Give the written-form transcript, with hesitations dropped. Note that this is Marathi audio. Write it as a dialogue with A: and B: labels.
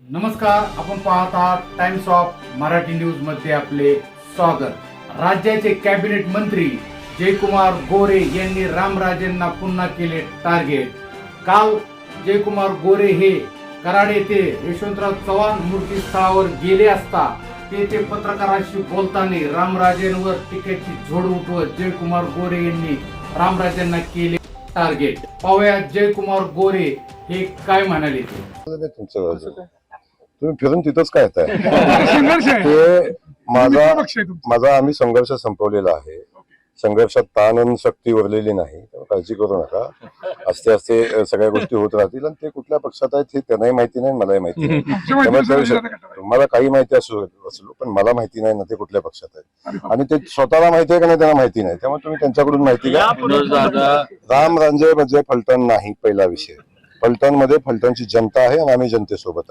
A: नमस्कार, आपण पाहत आहात टाइम्स ऑफ मराठी न्यूज मध्ये आपले स्वागत। राज्याचे कॅबिनेट मंत्री जयकुमार गोरे यांनी रामराजेंना पुन्हा केले टार्गेट। काल जयकुमार गोरे हे कराड येथे यशवंतराव चव्हाण मूर्ती स्थळावर गेले असता तेथे पत्रकारांशी बोलताना रामराजेंवर टीकेची झोड उठवत जयकुमार गोरे यांनी रामराजेंना केले टार्गेट। पाहूया जयकुमार गोरे हे काय म्हणाले ते।
B: तुम्ही फिरून तिथंच काय ते माझा आम्ही संघर्ष संपवलेला आहे। संघर्षात ताण आणि शक्ती उरलेली नाही, काळजी करू नका। असते असते सगळ्या गोष्टी होत राहतील आणि ते कुठल्या पक्षात आहेत हे त्यांनाही माहिती नाही, मलाही माहिती नाही। तुम्हाला काही माहिती असलो पण मला माहिती नाही ना ते कुठल्या पक्षात आहेत आणि ते स्वतःला माहिती आहे का नाही त्यांना माहिती नाही। त्यामुळे तुम्ही त्यांच्याकडून माहिती घ्या। रामराजे म्हणजे फलटण नाही, पहिला विषय। फलटण मध्ये फलटणची जनता आहे आणि आम्ही जनतेसोबत आहे।